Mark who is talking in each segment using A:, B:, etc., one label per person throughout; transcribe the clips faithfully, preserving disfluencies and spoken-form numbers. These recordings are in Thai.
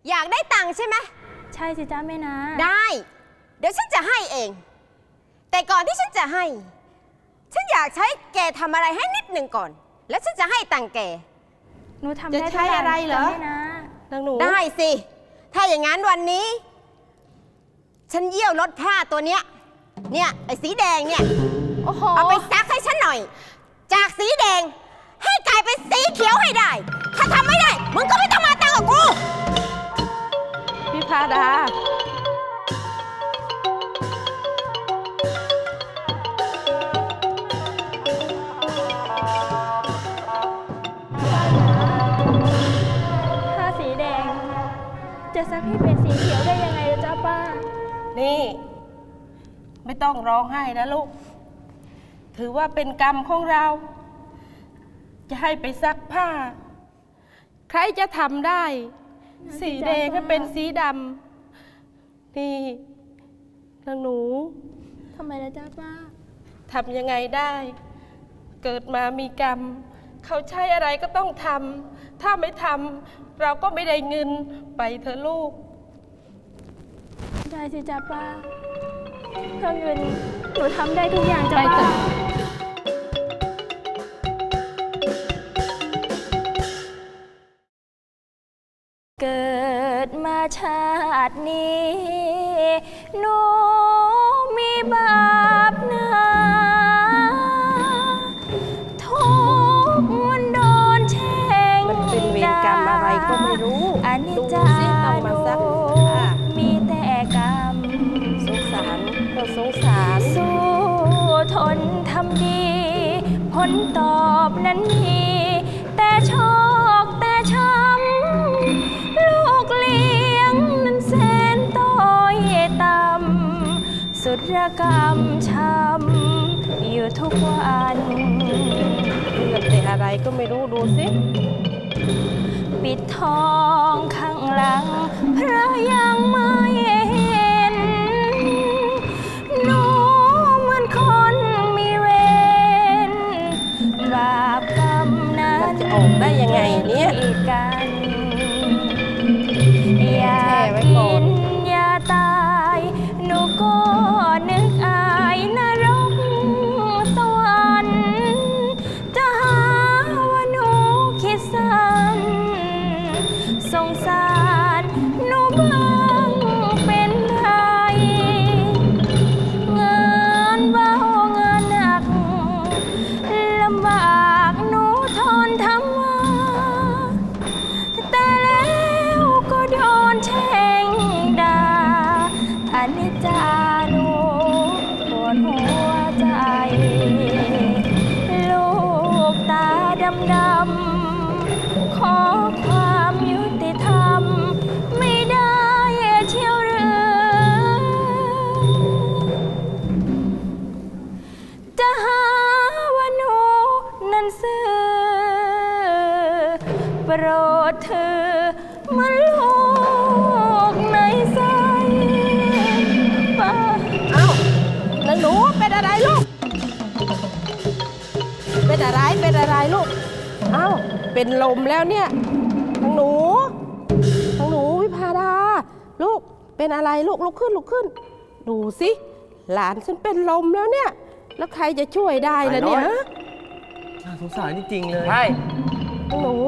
A: อยากได้ตังค์ใช่ไหม
B: ใช่สิจ้าแม่นา
A: ได้เดี๋ยวฉันจะให้เองแต่ก่อนที่ฉันจะให้ฉันอยากใช้แกทำอะไรให้นิดหนึ่งก่อนแล้วฉันจะให้ตังค์แก
B: หนูทำได้ใช้อะไรเหรอแม่นาน
A: างหนูได้สิถ้าอย่างนั้นวันนี้ฉันเยี่ยวรถผ้าตัวเนี้ยเนี่ยไอ้สีแดงเนี่ย
B: โอ้โห
A: เอาไปซักให้ฉันหน่อยจากสีแดงให้กลายเป็นสีเขียวให้ได้ถ้าทำไม่ได้มึงก็ไม่ต้องมาตังกับกู
B: พี่พาดาผ้าสีแดงจะซักให้เป็นสีเขียวได้ยังไงจ้าป้า
C: นี่ไม่ต้องร้องไห้นะลูกถือว่าเป็นกรรมของเราจะให้ไปซักผ้าใครจะทำได้สีแดงให้เป็นสีดำนี่นางหนู
B: ทำไมล่ะจ้าป้า
C: ทำยังไงได้เกิดมามีกรรมเขาใช้อะไรก็ต้องทำถ้าไม่ทำเราก็ไม่ได้เงินไปเถอะลูก
B: ได้สิจ้าป้าเพื่อเงินหนูทำได้ทุกอย่างจ้าป้าเกิดมาชาตินี้หนูมีบาปหนาทุกมันโดนแช่ง
C: มันเป็นเวรกรรมอะไรก็ไม่รู้
B: อันนี้จ้าหนูมีแต่กรรม
C: สงสารเราสงสาร
B: สู้ทนทำดีผลตอบนั้นมีแต่โชคแต่ช้ำลูกเลี้ยงนั้นแสนต้อยต่ำสุดระกรรมช้ำอยู่ทุกวัน
C: เรื่องแต่อะไรก็ไม่รู้ดูสิ
B: ปิดทองข้างหลังพระยังไม่เห็นหนูเหมือนคนมีเวรบาปกรรมนั้น
C: จะออกได้ยังไงเนี่ย
B: กันอยากกินอยาตายหนูก็นึกอายนรกสวรรค์จะหาว่าหนูคิดสั้นสงสารหนูบ้างเป็นไรงานเบางานหนักลำบากหนูทนทำมาแต่แล้วก็โดนแช่งด่าอนิจจาหนูปวดหัวใจลูกตาดำดำขอความยุติธรรมไม่ได้เชี่ยวหรือจะหาว่าหนูนั้นซื่อโปรดเธอมาลูกในใจป้า
C: เอ้าแล้วหนูเป็นอะไรลูกเป็นอะไรเป็นอะไรลูกเอ้าเป็นลมแล้วเนี่ยทางหนูทางหนูวิภาดาลูกเป็นอะไรลูกลุกขึ้นลุกขึ้นดูสิหลานฉันเป็นลมแล้วเนี่ยแล้วใครจะช่วยได้ล่ะเนี่ย
D: น่าสงสารจริงๆเลย
C: ใช่ทางหนู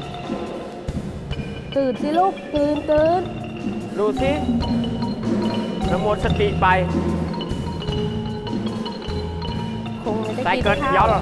C: ตื่นสิลูกตื่นตื่น
D: ดูสิน้ำมนต์สติไป
C: คงไม่ได้
D: กินข้าวใส่เกินย้อน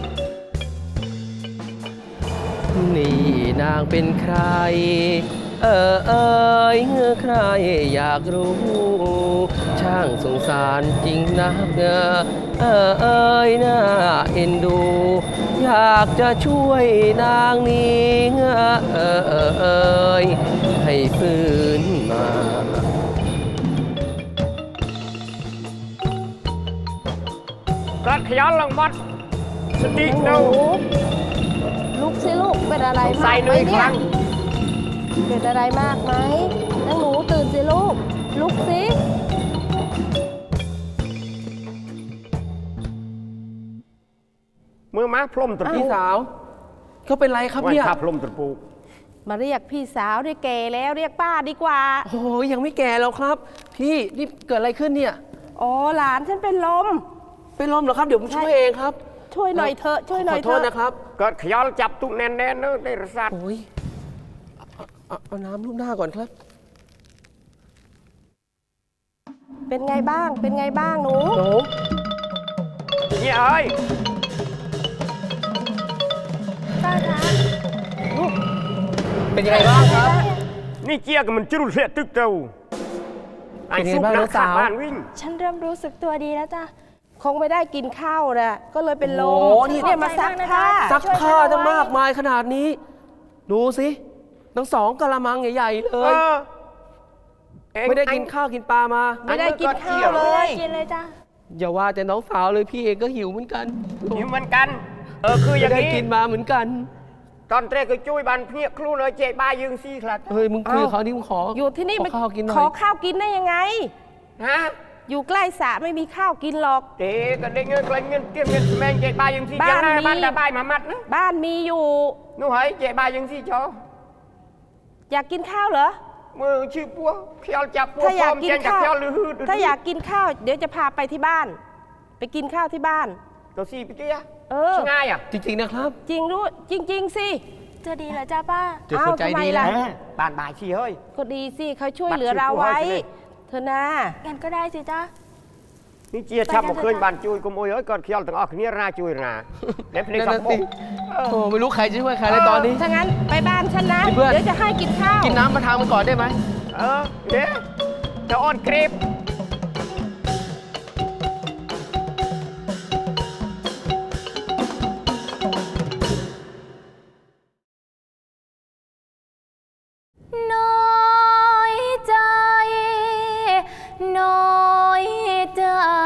D: นี่นางเป็นใครเออเอยเงื่อใครอยากรู้ช่างสงสารจริงนักเออเออเอยน่าเอ็นดูอยากจะช่วยนางนี้เออเออเออเอยให้ฟื้นมากระขยันลังมัดสติกดู
C: ลูกสิลูกเป็นอะไรมากไหมเนี่ยเป็นอะไรมากไหมนางหนูตื่นสิลูกลุกสิ
D: มือม้าพรมตะพี่สาวเขาเป็นไรครับเนี่ย
E: ว่าพรมตะปู
C: มาเรียกพี่สาวเรียกแกแล้วเรียกป้าดีกว่า
D: โอ้ยยังไม่แก่แล้วครับ พี่นี่เกิดอะไรขึ้นเนี่ย
C: อ๋อหลานฉันเป็นลม
D: เป็นลมเหรอครับเดี๋ยวผมช่วยเองครับ
C: ช่วยหน่อยเถอะช่วยหน่อย
D: ขอ
C: เถ
D: โทษ
C: อะ
D: นะครับ
E: เกิดขยอลจับตุกแน่นๆเนอะได้รสัตว์
D: โอ้ยเอาเอาเอาน้ำลูบหน้าก่อนครับ
C: เป็นไงบ้างเป็นไงบ้างหนู
D: หนู
E: เนี่ยเอ้ย
B: ป้าคะ
D: เป็นยังไงบ้างครับ
E: นี่เจี๊ยกับมันจุลเสียตึกเต้าไอ้
D: เป็นไง
E: สุก
D: บ้าง
E: นั
D: น้อก งสาว
E: ขาบ้านวิ่ง
B: ฉันเริ่มรู้สึกตัวดีแล้วจ้ะ
C: คงไม่ได้กินข้าวนะก็เลยเป็นลม
D: โอ้โหนี่
C: เนี่ยมาซักผ้า
D: ซักผ้าตั้งมากมายขนาดนี้ ดูสิทั้งสองกะละมังใหญ่ๆเล
E: เอย อเอ็ง
D: ไม่ได้กินข้าวกินปลามา
C: ไม่ได้กินข้าวเล
B: ไม่ได้
C: ย
B: กินเลยจ้ะ
D: อย่าว่าแต่น้องสาวเลยพี่เองก็หิวเหมือนกัน
E: หิวเหมือนกัน เออคืออ
D: ไม่
E: ย่าง
D: ได้
E: นี้
D: กินมาเหมือนกัน
E: ตอนแรกก็จุ้ยบันเพียครูเลยเจ๊บ้ายืงซี่คลัด
D: เฮ้ยมึงคุย
C: เอ้า
D: กับเขานี่มึงขอ
C: อยู่ที่นี่
D: ขอข้าวกินหน่
C: ข
D: อ
C: อย ข้าวกินได้ยังไง
E: ฮะ
C: อยู่ใกล้สระไม่มีข้าวกินหรอก
E: เจ๊ก็ได้เงินกลายเงินเตรียมเงินแมงเจ๊บ้ายืงซี่
C: บ้าน
E: ยังไง
C: มี
E: บ้านแต่บ้ายมามัดนะ
C: บ้านมีอยู่
E: นู่นเฮ้ยเจ๊บ้ายืงซี่จอ
C: อยากกินข้าวเหรอ
E: มือชื่อปัวขยอลจับปัว
C: ถ้าอยาก
E: พร้ม
C: กิน
E: แจงจาก
C: ข้าว
E: ขยอลลือฮืด
C: ถ้าอยากกินข้าว เดี๋ยวจะพาไปที่บ้าน ไปกินข้าวที่บ้าน
E: ตัวซี่พี่เตี้ย
C: เออ
E: ช่างง่ายอ่ะ
D: จริงๆนะครับ
C: จริงรู้จริง ๆ สิ
B: จะดีเหรอจ้ะป้า
D: เจอคนใจ
C: เอ้าทำไม
D: ดี
C: ล่ะ
D: แล้ว
E: บ้านบ่ายซี่เฮ้ย
C: ก็ดีสิเขาช่วยเหลือ
E: บัตร
C: เราไว้
E: ชื่อผู้ให้สิ
C: เธอนะ
B: งั้นก็ได้สิจ้ะ
E: นี่เจียชับมาเคยบ้านจุยกุมโอยเอ้ยก่อนเขียวตั้งออกเนี่ยราจุยราเด็บใน
D: นั่น
E: สั
D: น่ะ
E: บ
D: สิโอ้ไม่รู้ใครจะช่วยใครเลยตอนนี้
C: ถ้างั้นไปบ้านฉันนะ
D: นี่เพื่อน
C: เดี๋ยวจะให้กินข้าว
D: กินน้ำมาทางมันก่อนได้ไหม
E: เออเดี๋ยวจะอ่อนเกรบ
B: น้อยใจ น้อยใจ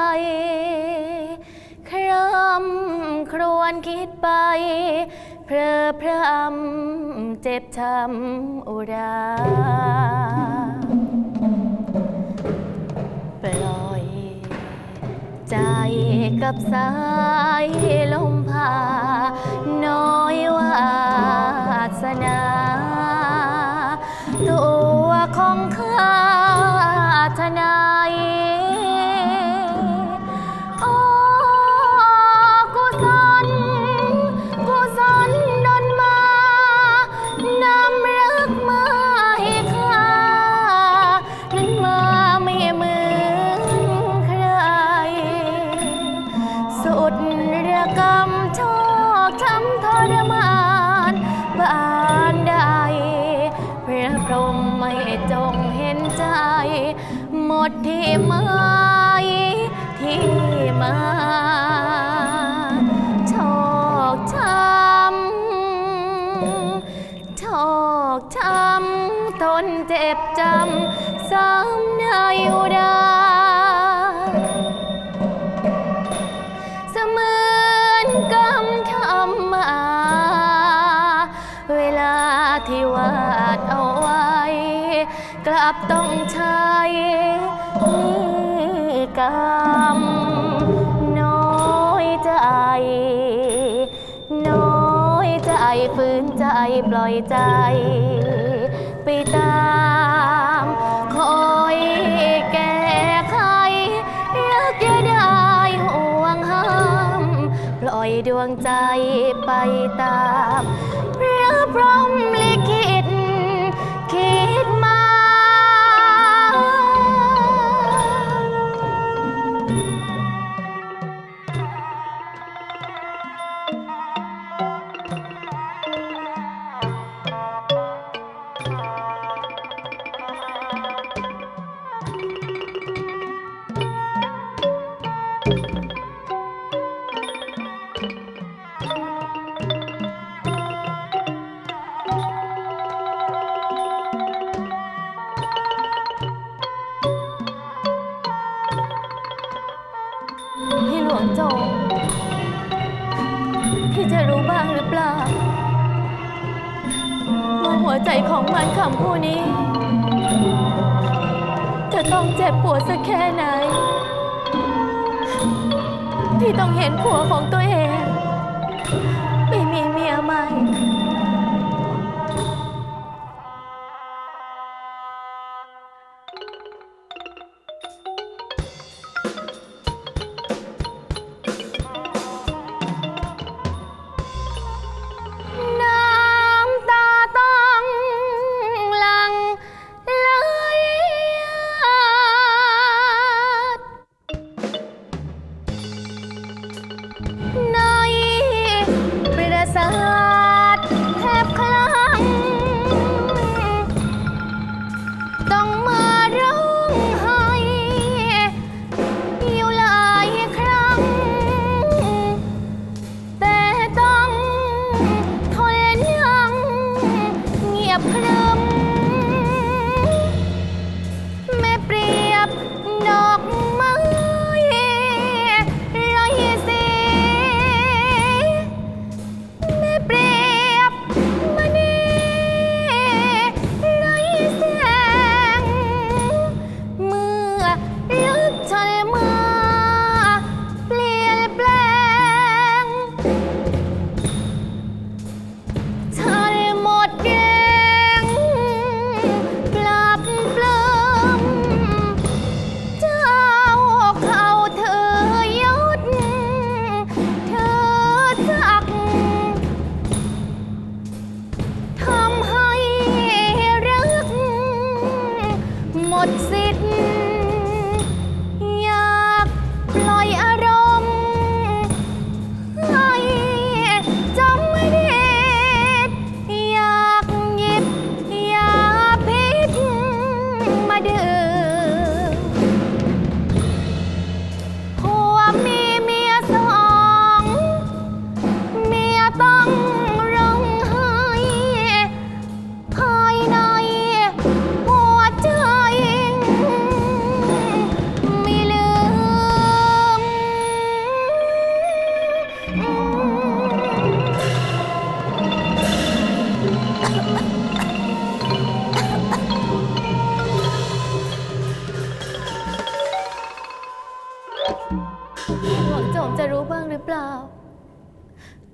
B: คร่ำครวญคิดไป เพลอพรำเจ็บช้ำอุรา ปล่อยใจกับสายลมพา น้อยวาสนา ตัวของข้าทนายโอ้กุศลกุศลดลมานำรักมาให้ข้านั้นมาไม่เหมือนใคร สุดระกำชอกช้ำทรมานบานใดพระพรหมไม่จงเห็นใจ หมดที่ไม้ที่มาชอกช้ำชอกช้ำทนเจ็บจำซ้ำในอุรา เสมือนกำทำมา เวลาที่วาดเอาไว้ กลับต้องใช้กรรม น้อยใจ น้อยใจฝืนใจปล่อยใจ ไปตามคอยแก้ไขรักอย่าได้ห่วงห้ามปล่อยดวงใจไปตามพระพรหมลิขิตคิดมา พี่หลวงโจงพี่จะรู้บ้างหรือเปล่าว่าหัวใจของมันคำผู้นี้ จะต้องเจ็บปวดสักแค่ไหน ที่ต้องเห็นผัวของตัวเอง ไม่มีเมียใหม่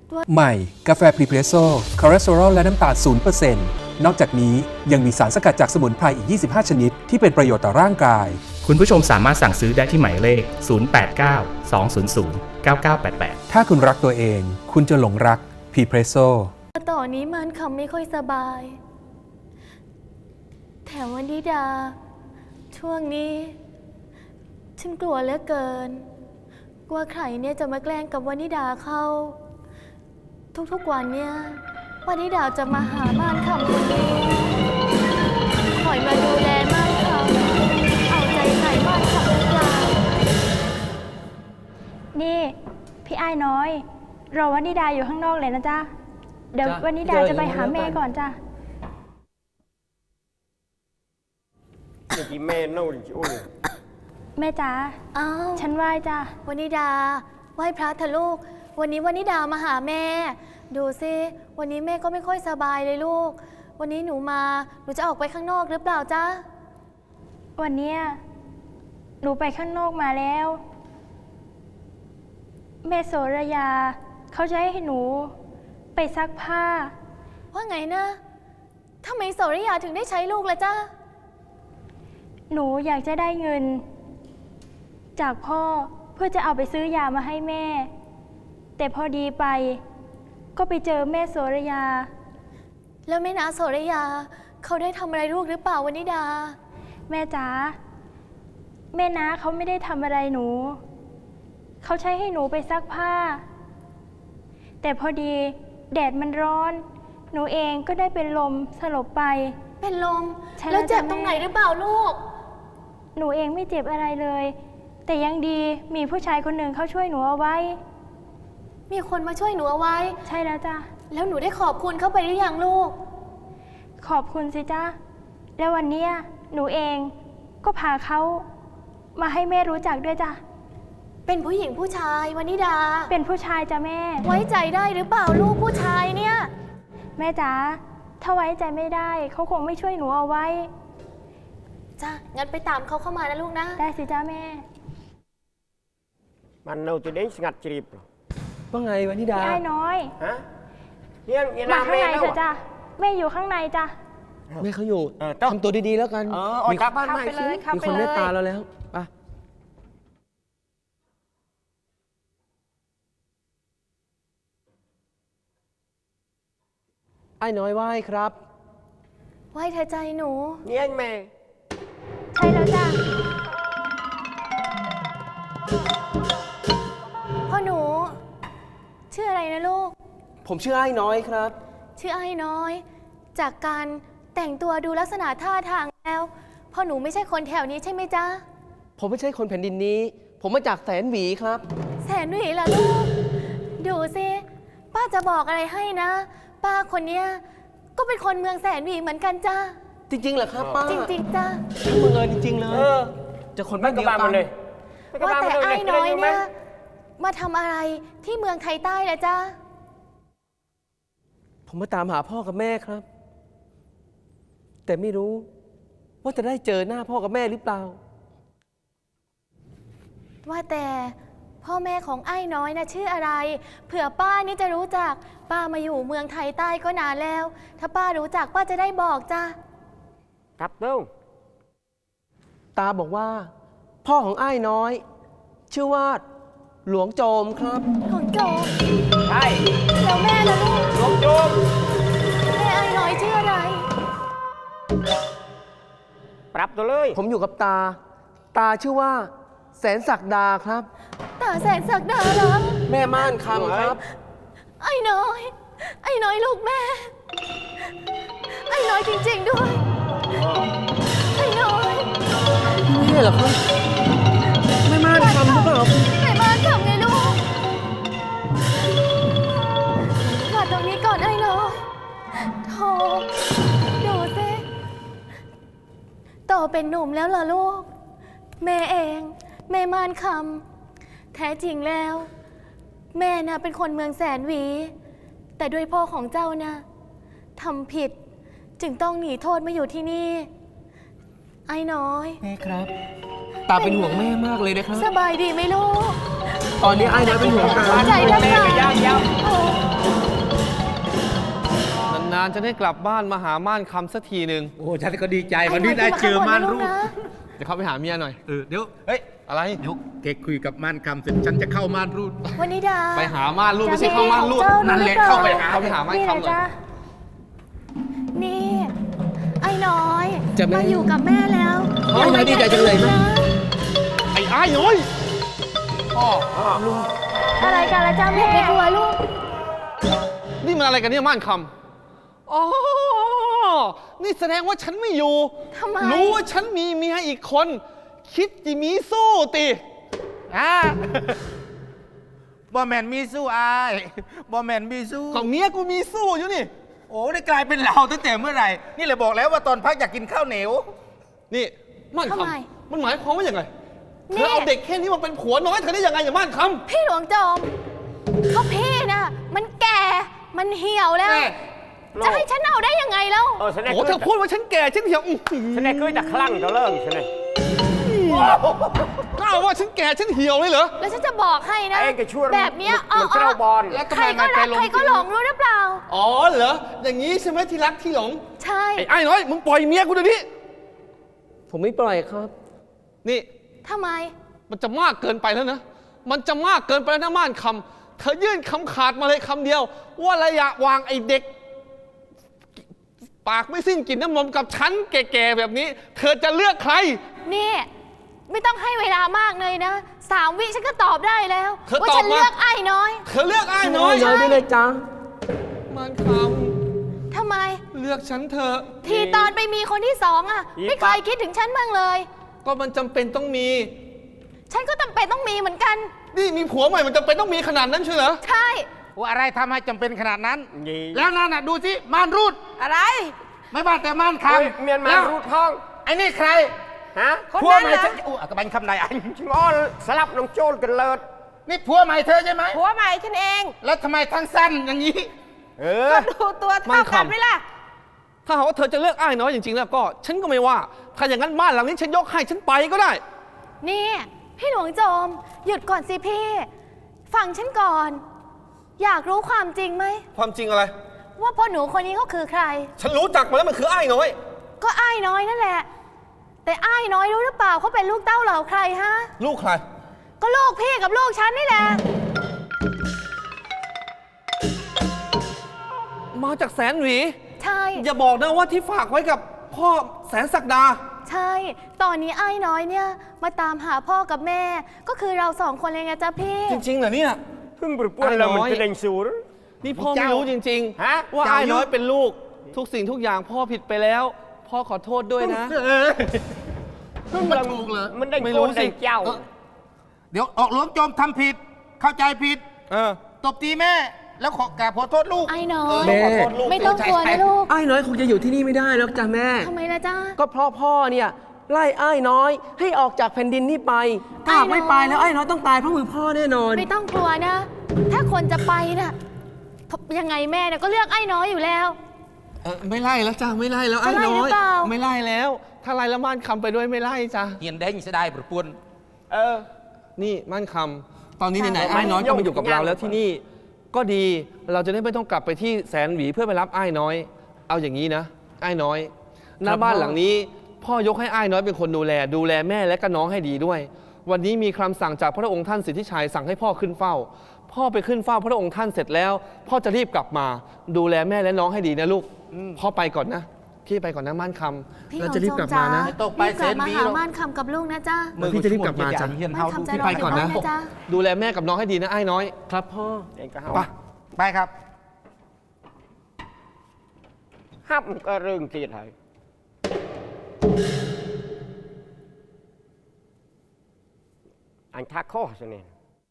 F: ใหม่ กาแฟพรีเพรสโซ่คอเลสเตอรอลและน้ำตาล ศูนย์เปอร์เซ็นต์ นอกจากนี้ยังมีสารสกัดจากสมุนไพรอีก ยี่สิบห้า ชนิด ที่เป็นประโยชน์ต่อร่างกาย
G: คุณผู้ชมสามารถสั่งซื้อได้ที่หมายเลข ศูนย์ แปด เก้า สอง ศูนย์ ศูนย์ เก้า เก้า แปด แปด
F: ถ้าคุณรักตัวเอง คุณจะหลงรักพรีเพรสโซ่
B: ตอนนี้มันคำไม่ค่อยสบาย แถมวันนิดา ช่วงนี้ ฉันกลัวเหลือเกิน กลัวใครเนี่ยจะมาแกล้งกับวานิดาเข้า ทุกๆวันเนี่ยวานิดาจะมาหาม่านคำคนนี้คอยมาดูแลม่านคำเอาใจใส่ม่านคำหรือเปล่า
H: นี่ พี่ไอ้ายน้อย รอวันนิดาอยู่ข้างนอกเลยนะจ๊ะ เดี๋ยว
D: จ้ะ
H: วันนิดาจะไปหาแม่ก่อนจ้ะ
E: นี่กี่แม่เน่าดิอุ้ย
H: แม่จ๋า
B: อ้าว
H: ฉันไหว้จ้ะ
B: วานิดา ไหว้พระเถอะลูก วันนี้วานิดามาหาแม่ ดูสิวันนี้แม่ก็ไม่ค่อยสบายเลยลูก วันนี้หนูมาหนูจะออกไปข้างนอกหรือเปล่าจ๊ะ
H: วันเนี้ยหนูไปข้างนอกมาแล้ว แม่โสระยา เขาจะให้หนูไปซักผ้า
B: ว่าไงนะทำไมโสริยาถึงได้ใช้ลูกล่ะจ๊ะ
H: หนูอยากจะได้เงิน จากพ่อเพื่อจะเอาไปซื้อยามาให้แม่ แต่พอดีไป ก็ไปเจอแม่โสระยา
B: แล้วแม่นาโสริยา เขาได้ทำอะไรลูกหรือเปล่าวานิดา
H: แม่จ๋าแม่น้าเขาไม่ได้ทำอะไรหนู เขาใช้ให้หนูไปซักผ้า แต่พอดีแดดมันร้อน หนูเองก็ได้เป็นลมสลบไป
B: เป็นลม
H: ใช่
B: แล้วเจ็บ
H: แล้วจ้ะ
B: ตรงไหน
H: แม่
B: หรือเปล่าลูก
H: หนูเองไม่เจ็บอะไรเลย แต่ยังดีมีผู้ชายคนหนึ่งเขาช่วยหนูเอาไว้
B: มีคนมาช่วยหนูเอาไว้
H: ใช่แล้วจ้ะ
B: แล้วหนูได้ขอบคุณเข้าไปหรือยังลูก
H: ขอบคุณสิจ้ะแล้ววันเนี้ยหนูเองก็พาเขามาให้แม่รู้จักด้วยจ้ะ
B: เป็นผู้หญิงผู้ชายวานิดา
H: เป็นผู้ชายจ้ะแม่
B: ไว้ใจได้หรือเปล่าลูกผู้ชายเนี่ย
H: แม่จ๋าถ้าไว้ใจไม่ได้เขาคงไม่ช่วยหนูเอาไว้
B: จ้ะ งั้นไปตามเขาเข้ามานะลูกนะ
H: ได้สิจ้ะแม่
E: มันเน่าจะเด้งสงัดจีบ
D: ว่าไงวะนิดา
H: พี่ไอ้น้อย
E: ฮะเนี่ยเนี่ย
H: มา
E: น้า
H: ข้าง
E: แม่
H: ใน
E: เน่า
H: เถอะจ้ะแม่อยู่ข้างในจ้ะ
D: แม่เขาอยู่
E: เออต้อง
D: ทำตัวดีๆแล้วกัน
E: เออออกจากบ้านใหม่สิ
D: มีคนเมตตาเราแล้วไปไอ้น้อยไหว้ครับ
B: ไหว้เธอใจหนู
E: เนี่ยแม่
H: ใช่แล้วจ้ะ
B: พ่อหนู ชื่ออะไรนะลูก
D: ผมชื่อไอ้น้อยครับ
B: ชื่อไอ้น้อย จากการแต่งตัวดูลักษณะท่าทางแล้วพ่อหนูไม่ใช่คนแถวนี้ใช่ไหมจ๊ะ
D: ผมไม่ใช่คนแผ่นดินนี้ ผมมาจากแสนหวีครับ
B: แสนหวีล่ะลูก ดูสิป้าจะบอกอะไรให้นะ ป้าคนเนี้ยก็เป็นคนเมืองแสนหวีเหมือนกันจ้า
D: จริงๆเหรอครับป้า
B: จริงๆจ้า
D: ช่างบังเอิญจริงๆเลย
E: เออ
D: จะคน
E: ไม่
D: บ้าน
E: ก ระบา
D: เดียวกั
E: มัน นเลยไม่กระ
B: ว่า
E: บา
B: แต่
E: มันเลย
B: ไอ้น้อย
E: รู้ไหม
B: เนี่ยมาทำอะไรที่เมืองไทยใต้ล่ะจ้า
D: ผมมาตามหาพ่อกับแม่ครับ แต่ไม่รู้ว่าจะได้เจอหน้าพ่อกับแม่หรือเปล่า
B: ว่าแต่พ่อแม่ของไอ้น้อยนะชื่ออะไร เผื่อป้านี่จะรู้จัก ป้ามาอยู่เมืองไทยใต้ก็นานแล้ว ถ้าป้ารู้จักป้าจะได้บอกจ้า
E: ครับเต้า
D: ตาบอกว่า พ่อของไอ้น้อย ชื่อว่าหลวงโจมครับ
B: ของโจม
E: ใช่
B: แล้วแม่ล่ะลูก
E: หลวงโจม
B: แม่ไอ้น้อยชื่ออะไร
E: ปรับตัวเลย
D: ผมอยู่กับตา ตาชื่อว่า แสนศักดาครับ
B: ตาแสนศักดาเหรอ
D: แม่ม่านคำครับ
B: ไอ้น้อย ไอ้น้อยลูกแม่ ไอ้น้อยจริงๆด้วย ไอ้น้อย
D: นี่เหรอครับแม่ม่านคำหรือเปล่า
B: แม่บ้านทำไงลูกกอดตรงนี้ก่อนไอ้น้อยโธ่ดูสิโตเป็นหนุ่มแล้วเหรอลูก แม่เอง แม่ม่านคำแท้จริงแล้ว แม่น่ะเป็นคนเมืองแสนหวี แต่ด้วยพ่อของเจ้านะทำผิด จึงต้องหนีโทษมาอยู่ที่นี่ ไอ้น้อย
D: แม่ครับ ตาเป็นห่วงแม่มากเลยนะครับ
B: สบายดีไหมลูก
D: ตอนนี้ไอ้น้อยเป็นห่วงตา
B: ใจทั้ง
E: แม่
B: หลา
E: ก็
B: ย
E: ยาวยาว
B: โอ้
D: านจะได้กลับบ้านมาหาม่านคำสักทีหนึ่ง
I: โอ้ฉันก็ดีใจวันนี้ได้เจอม่านรูด
D: เดี๋ยวเขาไปหาเมียหน่อย
I: เออเดี๋ยวเฮ้ย
D: อะไร
I: เดี๋ยวแกคุยกับม่านคำเสร็จฉันจะเข้าม่านรูด
H: วันนี้ดา
D: ไปหาม่านรูดไม่ใช่เข้าม่านรูด
I: นั่นแหละเข้าไปหา
D: เขาไปหาม่าน
H: นี่
D: คำหน่อย
H: นะจ๊ะนี่ ไอ้น้อย
D: จะแม่
H: มาอยู่กับแม่แล้ว
D: เฮ้ย
H: อาไว้
D: ดีใจจังเลยนะ
H: นะ
D: ไอ้อ้ายน้อยพ่อ
H: อะไรกันละจ้าแม่ไม่กลัวลูก
D: นี่มันอะไรกันเนี่ยม่านคำอ๋อนี่แสดงว่าฉันไม่อยู่
H: ทำไม
D: รู้ว่าฉันมีเมียอีกคน คิดจะมีสู้ติอ่า
I: บอแมนมีสู้อายบอแมนมีสู้
D: ของเมียกูมีสู้อยู่นี่
I: โอ้ได้กลายเป็นเราตั้งแต่เมื่อไหร่ นี่เลยบอกแล้วว่าตอนพักอยากกินข้าวเหนียว
D: นี่ม่าน
H: ทำไม
D: คำมันหมายความว่าอย่างไรเธ
H: นี่
D: อเอาเด็กแค่นี้มาเป็นผัวน้อยเธอได้ยังไงอย่าม่านคำ
H: พี่หลวงจอมเขาพี่น่ะ มันแก่ มันเหี่ยวแล้ว
D: แม่
H: จะให้ฉันเอาได้ยังไงแล้ว
E: เออแสดง
D: โอ้เธอพูดว่าฉันแก่ฉันเหี่ยวอื้อหือ
E: แสดงเคยแต่คลั่งจะเลิกใช่ไหม
D: กล้าว่าฉันแก่ฉันเหี่ยวเลยเหรอ
H: แล้วฉันจะบอกให้นะ
E: ไอ้กระช่วย
H: แบบเนี้ย
E: เหมือนเจ้าบอล
D: แล้วทำ
H: ใคร
D: ไม
H: ก็
D: มันไป
H: รัก
D: ลง
H: ใครก็หลงรู้หรือเปล่า
D: อ๋อเหรออย่างนี้ใช่ไหมที่รักที่หลง
H: ใช่
D: ไอ้ไอ้น้อยมึงปล่อยเมียกูเดี๋ยวนี้ผมไม่ปล่อยครับ นี่
H: ทำไม
D: มันจะมากเกินไปแล้วนะ มันจะมากเกินไปแล้วนะม่านคำเธอยื่นคำขาดมาเลยคำเดียว ว่าระยะวางไอ้เด็ก ปากไม่สิ้นกลิ่นน้ำนมกับฉันแก่ๆแบบนี้ เธอจะเลือกใคร
H: นี่ไม่ต้องให้เวลามากเลยนะสามวิฉันก็ตอบได้แล้ว
D: เธอ
H: ว่า
D: ตอบ
H: ฉัน
D: มา
H: เลือกไอ้น้อย
D: เธอเลือกไอ้น้อย
H: ใช่
D: ได้เลยจ้าม่านค
H: ทำไม
D: ำเลือกฉันเถอะ
H: ทีตอนไปมีคนที่สองอ่ะ
E: อี
H: ไม่เคยคิดถึงฉันบ้างเลย
D: ก็มันจำเป็นต้องมี
H: ฉันก็จำเป็นต้องมีเหมือนกัน
D: นี่มีผัวใหม่มันจำเป็นต้องมีขนาดนั้นใช่เหรอ
H: ใช่
I: ว่าอะไรทำให้จำเป็นขนาดนั้น
E: ยี่
I: แล้วนั่นน่ะดูสิม่านรูด
C: อะไร
I: ไม่ว่าแต่ม่านค
E: เฮ้ย
I: ำ
E: เมียนมา
I: แล้ว
E: รูดท้อง
I: ไอ้นี่ใคร
E: ฮะ
C: คน
I: ผัว
C: นั้น
I: ใหม่
C: นะ
I: ฉันอู้อ่ะกระบันคำไหนอัน
E: ชิงอ้อนสลับน้องโจรกันเลิศ
I: นี่ผัวใหม่เธอใช่ไหม
C: ผัวใหม่ฉันเอง
I: แล้วทำไมทั้งสั้นอย่างนี้
E: เอ
C: ก็
E: อ
C: ดูตัว
D: มั่
C: เท่าน
D: คำ
C: กันไหมล่ะ
D: ถ้าหากว่าเธอจะเลือกไอ้น้อยจริงๆแล้วก็ ฉันก็ไม่ว่า ถ้าอย่างนั้นบ้านหลังนี้ฉันยกให้ฉันไปก็ได้
H: นี่พี่หลวงโจม หยุดก่อนสิพี่ ฟังฉันก่อน อยากรู้ความจริงไหม
D: ความจริงอะไร
H: ว่าพ่อหนูคนนี้เขาคือใคร
D: ฉันรู้จักมาแล้วมันคือไอ้น้อย
H: ก็อ้ายน้อยนั่นแหละ แต่อ้ายน้อยรู้หรือเปล่าเขาเป็นลูกเต้าเหล่าใครฮะ
D: ลูกใคร
H: ก็ลูกพี่กับลูกฉันนี่แหละ
D: มาจากแสนหวี
H: ใช่
D: อย่าบอกนะว่าที่ฝากไว้กับพ่อแสนศักดา
H: ใช่ ตอนนี้อ้ายน้อยเนี่ยมาตามหาพ่อกับแม่ ก็คือเราสองคนเลยไงจ๊ะพี่
D: จริงๆเหรอเนี่ย
E: เพิ่งปป้วนเรามันเป็นเองสูร
D: นี่พ่อไม่รู้จริง
E: ฮะ
D: ๆ ว่าไอ้น้อยเป็นลูก ทุกสิ่งทุกอย่างพ่อผิดไปแล้ว พ่อขอโทษด้วยนะ
E: เพิ่งมันถูกเหรอมันได้
D: ไม่
E: โก
D: รู้
E: น
D: สิ
E: ได้เจ้า
I: เดี๋ยวออกหลวงโจมทำผิด เข้าใจผิด
D: เออ
I: ตบตีแม่ แล้วขอกราบขอโทษลูก
H: ไอ้น้อย
I: เขอโทษลูก
H: ไม่ต้องกลัวนะลูก
D: ไอ้น้อยคงจะอยู่ที่นี่ไม่ได้แล้วจ้ะแม่
H: ทำไมล่ะจ๊ะ
D: ก็เพราะพ่อเนี่ยไล่ไอ้น้อยให้ออกจากแผ่นดินนี้ไป ถ้าหากไม่ไปแล้วไอ้น้อยต้องตายเพราะมือพ่อแน่นอน
H: ไม่ต้องกลัวนะ ถ้าคนจะไปน่ะยังไงแม่เนี่ยก็เลือกไอ้น้อยอยู่แล้ว
D: เออไม่ไล่แล้วจ้ะไม่ไล่แล้วไอ้
H: จะไล่
D: น้
H: หรื
D: อย
H: อเปล่า
D: ไม่ไล่แล้ว ถ้าไล่แล้วม่านคำไปด้วยไม่ไล่จ้ะ
I: เฮียนแดงจะได้ประปวน
E: เออ
D: นี่ม่านคำตอนนี้ไหนๆ
E: ใช่
D: ไอ้น้อยก็มาอยู่กับเราแล้ว
E: ย่าง
D: ที่นี่ ก็ดีเราจะได้ไม่ต้องกลับไปที่แสนหวีเพื่อไปรับไอ้น้อย เอาอย่างนี้นะไอ้น้อยหน้าบ้านหลังนี้ พ่อยกให้ไอ้น้อยเป็นคนดูแล ดูแลแม่และก็น้องให้ดีด้วย วันนี้มีคำสั่งจากพระองค์ท่านสิทธิชัยสั่งให้พ่อขึ้นเฝ้า พ่อไปขึ้นเฝ้าพระองค์ท่านเสร็จแล้ว พ่อจะรีบกลับมา ดูแลแม่และน้องให้ดีนะลูกพ่อไปก่อนนะพี่ไปก่อนนะม่านคำ
H: พี่หล
D: แล้ว
H: วง
D: จะรีบ
H: โจ
D: กลั
H: ม
D: บ
H: จ้า
D: มานะ
I: ไม่ต้องไป
H: รีบกลับมา
I: เซนวี
H: หา
I: หรอก
H: ม่านคำกับลูกนะจ๊ะ
D: พี่จะรีบกลับมาจ้ะ
I: เฮียนเฮา
H: ม่านคำจะ
I: ทุก
H: รอ
D: ไปก่อนนะ
H: ยู่บ้าจ๊ะ
D: ดูแลแม่กับน้องให้ดีนะไอ้น้อย ครับพ่อ
E: เองก็
I: ไป
E: ห้า
I: ไปครับ
E: ห้ามก็เรื่องตีดให้อันทักข้อสิเนี่ย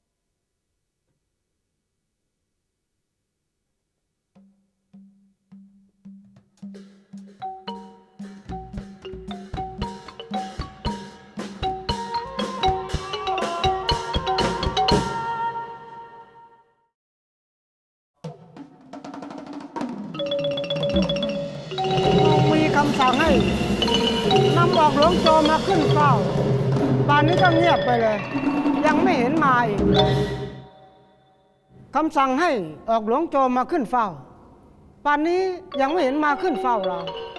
J: มีคำสั่งให้นำออกหลวงโจมมาขึ้นเฝ้าป่านนี้ก็เงียบไปเลย ยังไม่เห็นมาอีกคำสั่งให้ออกหลวงโจมมาขึ้นเฝ้า ไปป่านนี้ยังไม่เห็นมาขึ้นเฝ้าเรา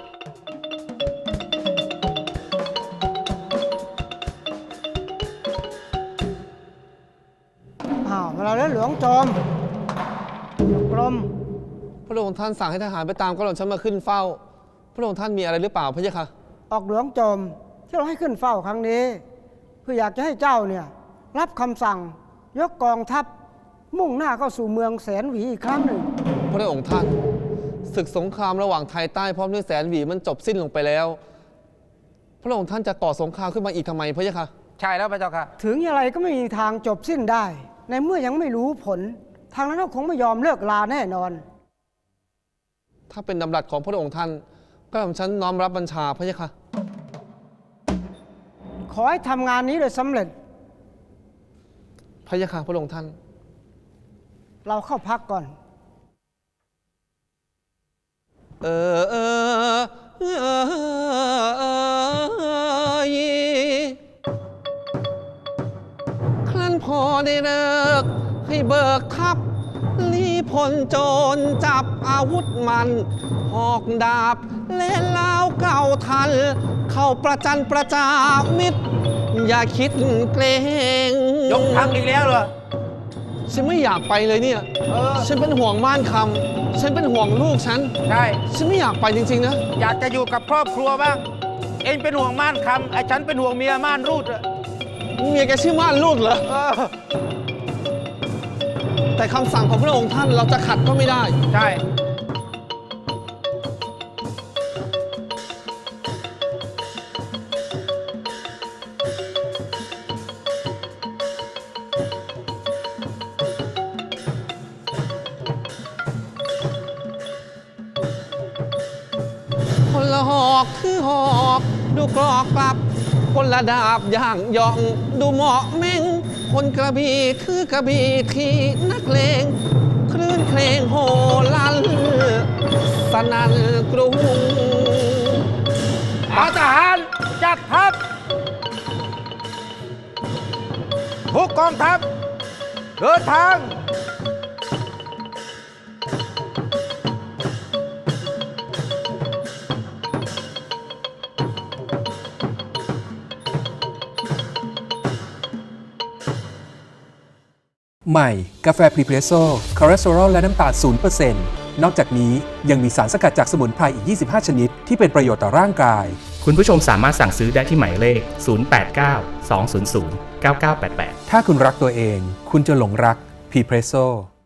J: อ้าวมาแล้วหลวงโจมกรม
K: พระองค์ท่านสั่งให้ทหารไปตามกระหล่อมฉันมาขึ้นเฝ้า พระองค์ท่านมีอะไรหรือเปล่าพระเจ้าค่ะ
J: ออกหลวงโจมที่เราให้ขึ้นเฝ้าครั้งนี้เพื่ออยากจะให้เจ้าเนี่ยรับคำสั่งยกกองทัพมุ่งหน้าเข้าสู่เมืองแสนหวีอีกครั้งหนึ่ง
K: พระองค์ท่านศึกสงครามระหว่างไทยใต้พร้อมด้วยแสนหวีมันจบสิ้นลงไปแล้ว พระองค์ท่านจะก่อสงครามขึ้นมาอีกทำไมพระเจ้าค่ะ
I: ใช่แล้วพระเจ้าค่ะ
J: ถึงอย่างไรก็ไม่มีทางจบสิ้นได้ ในเมื่อยังไม่รู้ผล ทางนั้นก็คงไม่ยอมเลิกลาแน่นอน
K: ถ้าเป็นดำรัสของพระองค์ท่านก็ผมฉันน้อมรับบัญชาพระเจ้าค่ะ
J: ขอให้ทำงานนี้โดยสำเร็จ
K: พระเจ้าค่ะพระองค์ท่าน
J: เราเข้าพักก่อน
K: เออเออเออเออครั้นพอได้เลิกให้เบิกทัพรีพลโจรจับอาวุธมันหอกดาบและเล้าเก่าทัน เข้าประจันประจามิตร อย่าคิดเกรง
I: ยกทัพอีกแล้วเหรอ
K: ฉันไม่อยากไปเลยเนี่ย ฉันเป็นห่วงม่านคำฉันเป็นห่วงลูกฉัน
I: ใช่
K: ฉันไม่อยากไปจริงๆนะ
I: อยากจะอยู่กับครอบครัวบ้าง เองเป็นห่วงม่านคำไอ้ฉันเป็นห่วงเมียม่านรูดอะ
K: เมียแกชื่อม่านรูดเหรอ
I: เออ
K: แต่คำสั่งของพระองค์ท่านเราจะขัดก็ไม่ได้
I: ใช่
K: คนละหอกคือหอกดูกรอกกลับ คนละดาบย่างย่องดูเหมาะเม่ง คนกระบี่คือกระบี่ที่นักเลงคลื่นเพลงโหลันสนั่นกรุง
I: ทหารจัดทัพทุกกองทัพเดินทาง
F: ใหม่ กาแฟพรีเพรสโซ่คอเลสเตอรอลและน้ำตาล ศูนย์เปอร์เซ็นต์ นอกจากนี้ยังมีสารสกัดจากสมุนไพรอีก ยี่สิบห้า ชนิด ที่เป็นประโยชน์ต่อร่างกาย
G: คุณผู้ชมสามารถสั่งซื้อได้ที่หมายเลข ศูนย์ แปด เก้า สอง ศูนย์ ศูนย์ เก้า เก้า แปด แปด
F: ถ้าคุณรักตัวเอง คุณจะหลงรักพรีเพรสโซ่